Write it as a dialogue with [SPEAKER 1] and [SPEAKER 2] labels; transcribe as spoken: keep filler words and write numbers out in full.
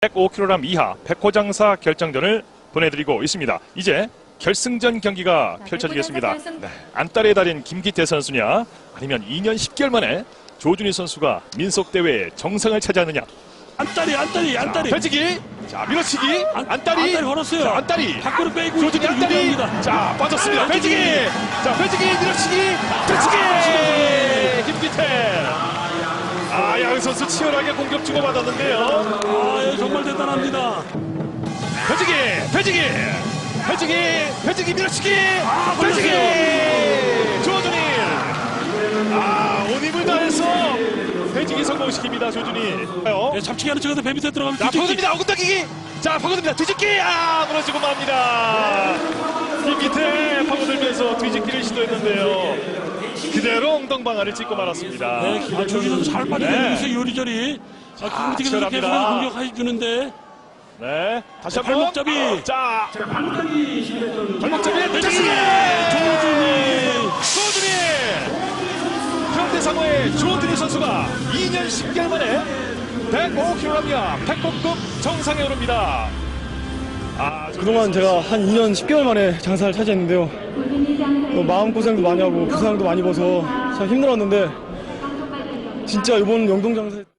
[SPEAKER 1] 백오 킬로그램 이하 백호장사 결정전을 보내드리고 있습니다. 이제 결승전 경기가 자, 펼쳐지겠습니다. 결승... 네. 안달의 달인 김기태 선수냐 아니면 이 년 십 개월 만에 조준희 선수가 민속대회의 정상을 차지하느냐.
[SPEAKER 2] 안달이 안달이 안달이
[SPEAKER 1] 펼치기, 자 밀어치기, 안, 안달이
[SPEAKER 2] 안달이 걸었어요.
[SPEAKER 1] 자, 안달이
[SPEAKER 2] 밖으로 빼고
[SPEAKER 1] 조준희 안달이
[SPEAKER 2] 유리합니다.
[SPEAKER 1] 자 빠졌습니다. 펼치기, 자 펼치기 밀어치기, 펼치기 김기태. 아, 양 선수 치열하게 공격 주고받았는데요.
[SPEAKER 2] 아, 예, 정말 대단합니다.
[SPEAKER 1] 펼치기, 펼치기, 펼치기, 펼치기, 밀어치기,
[SPEAKER 2] 아,
[SPEAKER 1] 펼치기, 조준희. 아, 온 힘을 다해서 펼치기 성공시킵니다, 조준희.
[SPEAKER 2] 예, 잡치기 하는 척에서 배 밑에 들어가면
[SPEAKER 1] 자, 파고듭니다. 어긋당기기. 자, 파고듭니다. 뒤집기. 아, 무너지고 맙니다. 김기태 파고들면서 뒤집기를 시도했는데요. 그대로 엉덩방아를 찍고 말았습니다.
[SPEAKER 2] 네, 김기태는 잘 빠져내고 있어요, 요리저리. 아, 김기태가 계속 공격해주는데.
[SPEAKER 1] 네, 다시 한 번.
[SPEAKER 2] 발목잡이.
[SPEAKER 1] 자, 발목잡이에
[SPEAKER 2] 조준희.
[SPEAKER 1] 조준희. 현대상호의 조준희 선수가 이 년 십 개월 만에 백오 킬로그램 백호급 정상에 오릅니다.
[SPEAKER 3] 아, 그동안 제가 한 이 년 십 개월 만에 장사를 차지했는데요. 어, 마음고생도 많이 하고 부상도 많이 입어서 참 힘들었는데 진짜 이번 영동 장사